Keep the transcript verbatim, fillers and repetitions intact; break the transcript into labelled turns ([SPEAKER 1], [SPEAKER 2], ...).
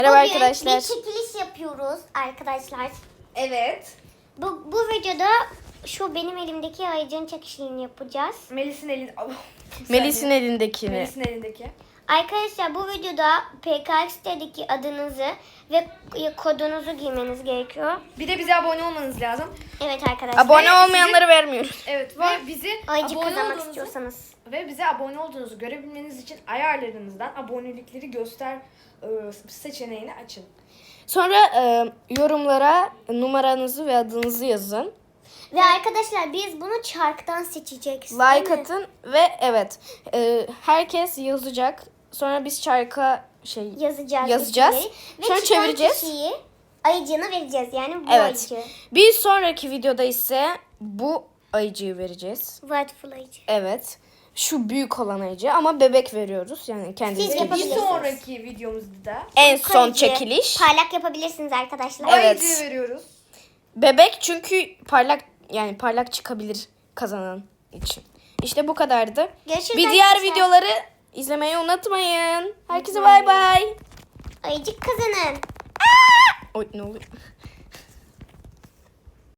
[SPEAKER 1] Merhaba
[SPEAKER 2] Bugün
[SPEAKER 1] arkadaşlar.
[SPEAKER 2] bir çekiliş yapıyoruz arkadaşlar.
[SPEAKER 3] Evet.
[SPEAKER 2] Bu, bu videoda şu benim elimdeki ayıcığın çekişini yapacağız.
[SPEAKER 3] Melis'in elinde... Oh,
[SPEAKER 1] Melis'in elindekini.
[SPEAKER 3] Melis'in elindeki.
[SPEAKER 2] Arkadaşlar bu videoda P K X'teki adınızı ve kodunuzu giymeniz gerekiyor.
[SPEAKER 3] Bir de bize abone olmanız lazım.
[SPEAKER 2] Evet arkadaşlar.
[SPEAKER 1] Abone
[SPEAKER 3] Ve
[SPEAKER 1] olmayanları vermiyoruz.
[SPEAKER 3] Evet ve bizi
[SPEAKER 2] Ayıcık
[SPEAKER 3] abone
[SPEAKER 2] kazanmak
[SPEAKER 3] olduğunuzu
[SPEAKER 2] istiyorsanız.
[SPEAKER 3] ve bize abone olduğunuzu görebilmeniz için ayarlarınızdan abonelikleri göster e, seçeneğini açın.
[SPEAKER 1] Sonra e, yorumlara numaranızı ve adınızı yazın.
[SPEAKER 2] Ve arkadaşlar biz bunu çarktan seçeceğiz. değil
[SPEAKER 1] Like
[SPEAKER 2] mi?
[SPEAKER 1] atın ve evet e, herkes yazacak. Sonra biz çarka şey
[SPEAKER 2] Yazacağız.
[SPEAKER 1] yazacağız.
[SPEAKER 2] isimleri. Ve
[SPEAKER 1] Sonra
[SPEAKER 2] çıkan
[SPEAKER 1] çevireceğiz.
[SPEAKER 2] kişiyi ayıcığına vereceğiz. Yani bu
[SPEAKER 1] Evet.
[SPEAKER 2] ayıcığı.
[SPEAKER 1] Bir sonraki videoda ise bu ayıcığı vereceğiz.
[SPEAKER 2] Whiteful ayıcı.
[SPEAKER 1] Evet. Şu büyük olan ayıcı ama bebek veriyoruz. Yani kendiniz
[SPEAKER 2] Siz
[SPEAKER 3] Bir
[SPEAKER 2] yapabilirsiniz.
[SPEAKER 3] sonraki videomuzda da
[SPEAKER 1] en
[SPEAKER 2] Uyku
[SPEAKER 1] son
[SPEAKER 2] ayıcı.
[SPEAKER 1] çekiliş.
[SPEAKER 2] Parlak yapabilirsiniz arkadaşlar.
[SPEAKER 1] Evet.
[SPEAKER 3] ayıcığı veriyoruz.
[SPEAKER 1] Bebek çünkü parlak yani parlak çıkabilir kazanan için. İşte bu kadardı.
[SPEAKER 2] Görüşürüz
[SPEAKER 1] Bir diğer
[SPEAKER 2] arkadaşlar.
[SPEAKER 1] videoları izlemeyi unutmayın. Herkese bay bay.
[SPEAKER 2] Ayıcık kazanın.
[SPEAKER 1] Oy ne oluyor?